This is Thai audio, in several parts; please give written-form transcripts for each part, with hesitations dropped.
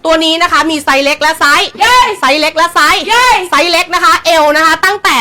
ตัวนี้นะคะมีไซส์เล็กและไซส์ไซส์เล็กและไซส์ไซส์เล็กนะคะเอวนะคะตั้งแต่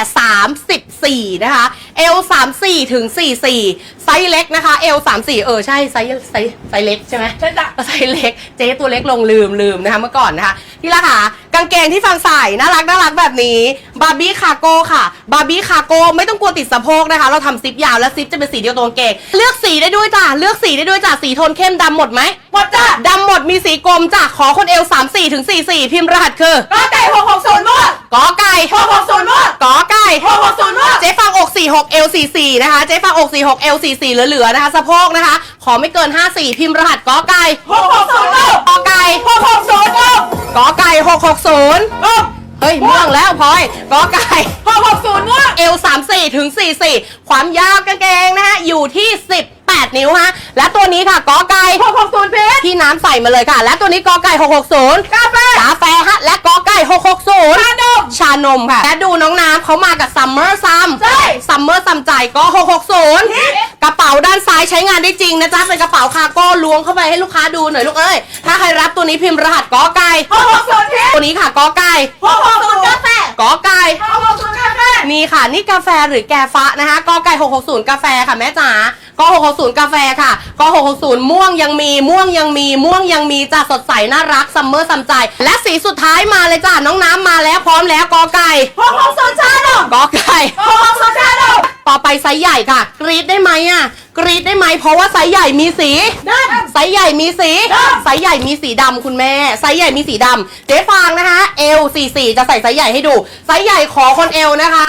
34นะคะเอว34ถึง44ไซส์เล็กนะคะเอว34ใช่ไซส์เล็กใช่ไหมใช่จ้ะไซส์เล็กเจ๊ตัวเล็กลงลืมนะคะเมื่อก่อนนะคะที่ละค่ะกางเกงที่ฟังใส่น่ารักแบบนี้บาร์บี้คาร์โก้ค่ะบาร์บี้คาร์โก้ไม่ต้องกลัวติดสะโพกนะคะเราทำซิปยาวและซิปจะเป็นสีเดียวตัวกางเกงเลือกสีได้ด้วยจ้ะเลือกสีได้ด้วยจ้ะสีโทนเข้มดำหมดไหมหมดจ้ะดำหมดมีสีกลมจ้ะขอคนเอว34ถึง44พิมพ์รหัสคือกอไก่660มั่วกอไก่660มั่วกอไก่660มั่วเจ๊ฟังอก46เอล44นะคะเจ๊ฟังอก46เอล44เหลือนะคะสะโพกนะคะขอไม่เกิน54พิมพ์รหัสกอไก่660มั่วกอไก่660มั่วกอไก่660เฮ้ยม่วงแล้วพลอยกอไก่660มั่วเอล34ถึง44ความยาวกางเกงนะฮะอยู่ที่18นิ้วฮะและตัวนี้ค่ะกอไก่660เพชรที่น้ำใส่มาเลยค่ะและตัวนี้กอไก่660กาแฟฮะและกอไก่660ชานมค่ะและดูน้องน้ำเขามากับซัมเมอร์ซัมใช่ซัมเมอร์ซัมใจก็660กระเป๋าด้านซ้ายใช้งานได้จริงนะจ๊ะเป็นกระเป๋าคาร์โก้ล้วงเข้าไปให้ลูกค้าดูหน่อยลูกเอ้ยถ้าใครรับตัวนี้พิมพ์รหัสกอไก่660เพชรตัวนี้ค่ะกอไก่660กาแฟกอไก่660กาแฟนี่ค่ะนี่กาแฟหรือแกฟ้านะคะกอไก่660กาแฟค่ะแม่จ๋าก660กาแฟค่ะก660ม่วงยังมีจ้ะสดใสน่ารักซัมเมอร์ซัมใจและสีสุดท้ายมาเลยจ้ะน้องน้ำมาแล้วพร้อมแล้วกอไก่660ชาดมกอไก่660ชาดมต่อไปไซส์ใหญ่ค่ะกรี๊ดได้ไหมอ่ะกรี๊ดได้ไหมเพราะว่าไซส์ใหญ่มีสีไซส์ใหญ่มีสีไซส์ใหญ่มีสีดำคุณแม่ไซส์ใหญ่มีสีดำเจ๊ฟางนะคะเอล44จะใส่ไซส์ใหญ่ให้ดูไซส์ใหญ่ขอคนเอลนะคะ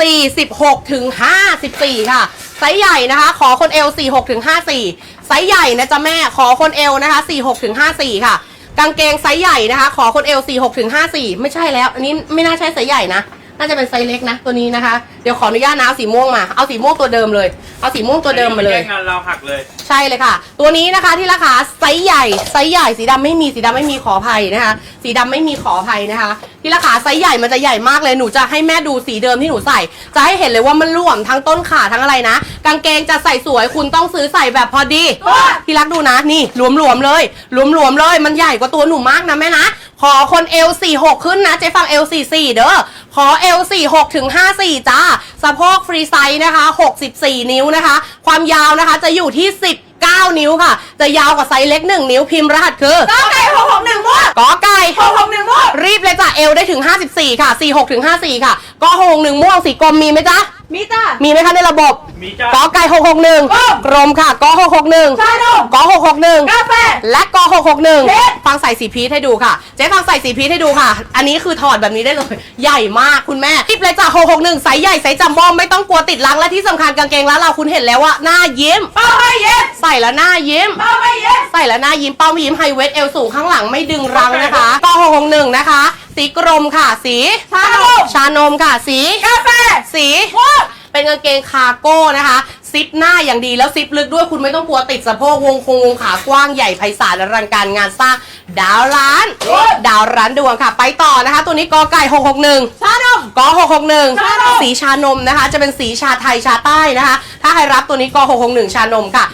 46ถึง54ค่ะไซส์ใหญ่นะคะขอคนเอล46ถึง54ไซส์ใหญ่นะจ๊ะแม่ขอคนเอลนะคะ46ถึง54ค่ะกางเกงไซส์ใหญ่นะคะขอคนเอล46ถึง54ไม่ใช่แล้วอันนี้ไม่น่าใช่ไซส์ใหญ่นะน่าจะเป็นไซส์เล็กนะตัวนี้นะคะเดี๋ยวขออนุญาตนะเอาสีม่วงมาเอาสีม่วงตัวเดิมเลยเอาสีม่วงตัวเดิมมาเลยงานเราหักเลยใช่เลยค่ะตัวนี้นะคะที่ราคาไซส์ใหญ่สีดำไม่มีขออภัยนะคะสีดำไม่มีขออภัยนะคะที่ราคาไซส์ใหญ่มันจะใหญ่มากเลยหนูจะให้แม่ดูสีเดิมที่หนูใส่จะให้เห็นเลยว่ามันร่วมทั้งต้นขาทั้งอะไรนะกางเกงจะใส่สวยคุณต้องซื้อใส่แบบพอดีที่รักดูนะนี่หลวมๆเลยมันใหญ่กว่าตัวหนูมากนะแม่นะขอคนเอล46ขึ้นนะเจ๊ฟังเอล44เด้อขอเอล46ถึง54จ้าสะโพกฟรีไซส์นะคะ64นิ้วนะคะความยาวนะคะจะอยู่ที่19นิ้วค่ะจะยาวกว่าไซส์เล็ก1นิ้วพิมพ์รหัสคือกอไก่661มั่วกอไก่661มั่วรีบเลยจ้ะเอลได้ถึง54ค่ะ46ถึง54ค่ะกอ661ม่วงสีกรมมีไหมจ๊ะมีจ้ะมีไหมคะในระบบมีจ้ะกอไก่661กรมค่ะกอ661ชาดมกอ661กาแฟและกอ661ฟังใส่สีพีชให้ดูค่ะเจ๊ฟังใส่สีพีชให้ดูค่ะอันนี้คือถอดแบบนี้ได้เลยใหญ่มากคุณแม่รีบเลยจ้ะ661ไซส์ใหญ่ไซส์จัมโบ้ไม่ต้องกลัวติดลังและที่สำคัญกางเกงร้านเราคุณเห็นแล้วว่าหน้ายิ้มเป้าไม่ยิ้มใส่แล้วหน้ายิ้มเป้าไม่ยิ้มใส่แล้วหน้ายิ้มเป้าไม่ยิ้มไฮเวทเอลสูงข้างหลังไม่ดึงรังนะคะกอ661นะคะสีกรมค่ะสีชานมค่ะสีกาแฟสีเป็นกางเกงคาร์โก้นะคะซิปหน้าอย่างดีแล้วซิปลึกด้วยคุณไม่ต้องกลัวติดสะโพกวงขากว้างใหญ่ไพศาลอลังการงานสร้างดาวร้านดวงค่ะไปต่อนะคะตัวนี้กอไก่661ชานมกอ661สีชานมนะคะจะเป็นสีชาไทยชาใต้นะคะถ้าใครรับตัวนี้กอ661ชานมค่ะ